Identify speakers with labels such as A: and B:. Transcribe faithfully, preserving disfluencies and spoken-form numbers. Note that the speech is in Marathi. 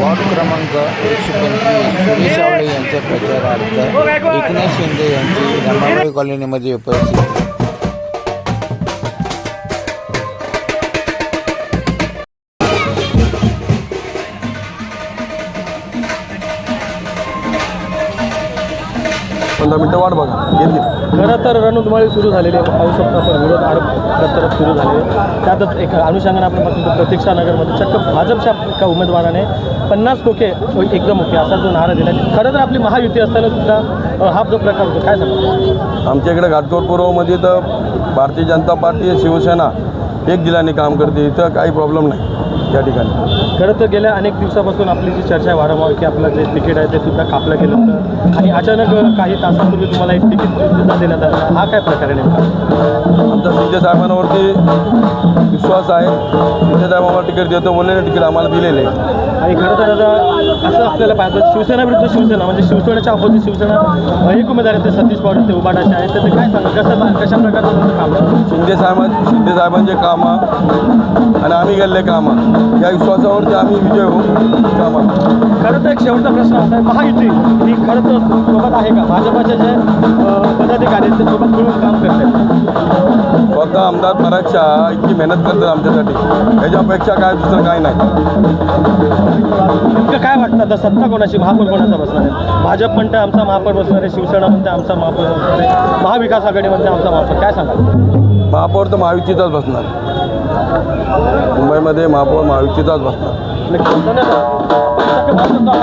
A: वॉर्ड क्रमांक एकशे पंचवीस सुरेश आवळे यांच्या प्रचारार्थ एकनाथ शिंदे यांची रमाबाई कॉलनीमध्ये उपस्थित.
B: पंधरा मिनटं वाट बघा घेतली.
C: खरं तर रणधुमाळी सुरू झालेली आहे. पाहू शकतो आपण विरोध आरोप प्रत्यारोप सुरू झाले. त्यातच एक अनुषंगाने आपण बघतो प्रतीक्षा नगरमध्ये चक्क भाजपच्या एका उमेदवाराने पन्नास खोके एकदम ओके असा जो नारा दिला. खरं तर आपली महायुती असताना सुद्धा हा जो प्रकार होतो काय सांगतो.
B: आमच्या इकडे घाटकोट पूर्वमध्ये तर भारतीय जनता पार्टी शिवसेना एक जिल्ह्याने काम करते. इथं काही प्रॉब्लेम नाही या ठिकाणी.
C: खरं तर गेल्या अनेक दिवसापासून आपली जी चर्चा आहे वारंवार की आपलं जे तिकीट आहे ते सुद्धा कापलं गेलं होतं आणि अचानक काही तासांपूर्वी तुम्हाला एक तिकीट सुद्धा देण्यात आलं. हा काय प्रकार आहे नेमका.
B: आमचा शिंदे साहेबांवरती विश्वास आहे. शिंदे साहेब आम्हाला तिकीट देतो बोलले तिकीट आम्हाला दिलेले आहे.
C: आणि खरं तर आता असं आपल्याला पाहिजे शिवसेना विरुद्ध शिवसेना म्हणजे शिवसेनेच्या अपोजिट शिवसेना एक उमेदवार आहेत ते सतीश पवार ते उबाटाचे आहेत. तर ते काय सांगा कसं कशा प्रकारचं काम आहे.
B: शिंदे साहेब शिंदे साहेबांचे कामं आणि आम्ही गेलेले कामं या विश्वासावरती आम्ही विजय होऊ कामं.
C: खरं तर एक शेवटचा प्रश्न असा आहे महायुती ही खरंच सोबत आहे का. भाजपाचे जे पदाधिकारी आहेत ते सोबत मिळून काम करतात.
B: फक्त आमदार पराक्षा इतकी मेहनत करतात आमच्यासाठी ह्याच्यापेक्षा काय दुसरं काय नाही.
C: नेमकं काय वाटतं आता सत्ता कोणाची महापौर कोणाचा बसणार आहे. भाजप म्हणते आमचा महापौर बसणार आहे. शिवसेना म्हणते आमचा महापौर बसणार आहे. महाविकास आघाडी म्हणते आमचा महापौर. काय सांगा.
B: महापौर तर महायुतीचाच बसणार. मुंबईमध्ये महापौर महायुतीचाच बसणार.
C: नक्की